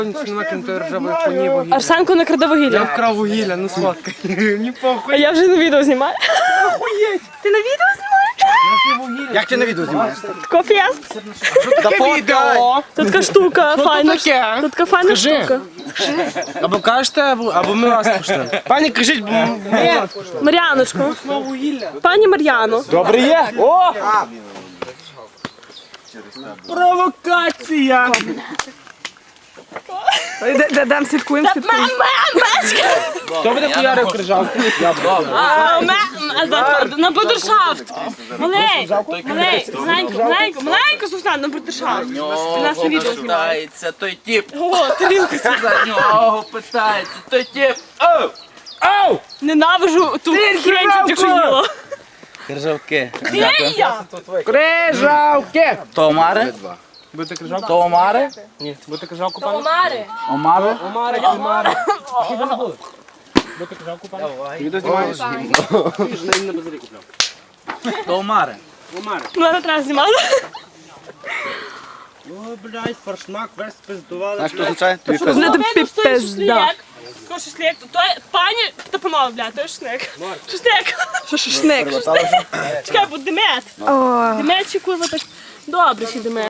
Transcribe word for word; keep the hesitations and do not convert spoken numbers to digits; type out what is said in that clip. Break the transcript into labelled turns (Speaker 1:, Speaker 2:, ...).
Speaker 1: Арсенко не краде
Speaker 2: Я
Speaker 1: вугілля.
Speaker 2: вкрав вугілля, ну сладко. Не
Speaker 1: А
Speaker 2: похуй.
Speaker 1: я вже на відео знімаю.
Speaker 2: Охуєть.
Speaker 1: Ти на відео знімаєш?
Speaker 3: Як ти на відео знімаєш?
Speaker 1: Кофест.
Speaker 2: Таке відео.
Speaker 1: Тут така штука, файна.
Speaker 2: таке?
Speaker 1: Тут така файна
Speaker 2: Скажи.
Speaker 1: штука.
Speaker 2: Або кажете, або, або ми вас пошлемо. Пані, кажіть, бо ми ми вас пошлемо.
Speaker 1: Мар'яночко.
Speaker 2: Вугілля.
Speaker 1: Пані Мар'яно.
Speaker 3: Добре є? О!
Speaker 2: Провокація.
Speaker 1: Дам слідкуємо, слідкуємо.
Speaker 2: Хто буде хуярив крижавку?
Speaker 1: На брудершафт. Малей, малей, маленько, маленько, маленько, Сусан, на брудершафт. Ти нас на відео знімаєш.
Speaker 4: Питається той тип.
Speaker 1: О, тарілка.
Speaker 4: За нього питається той тип. Оу! Оу!
Speaker 1: Ненавижу ту хрень, що тільки їла.
Speaker 4: Крижавки.
Speaker 1: Де я?
Speaker 2: Крижавки.
Speaker 4: То омари?
Speaker 2: Будете крижавку?
Speaker 4: То омари?
Speaker 2: Ні. Будете крижавку, пані?
Speaker 1: Омари.
Speaker 4: Омари?
Speaker 2: Омари, омари. Будете крижавку, пані? Відео знімаєш? На базарі купляв.
Speaker 4: То омари.
Speaker 2: Омари.
Speaker 1: Мене треба знімати.
Speaker 2: О, блядь, форшмак весь спиздували.
Speaker 3: Знаєш, що означає? Тобі
Speaker 1: Не
Speaker 3: пизда.
Speaker 1: тобі пизда. Що шашлик? То пані та панове, блядь, то шашлик. Шашлик. Що шашлик? Чекай, бо демет. Демет чи курва так. Добре, ще демет.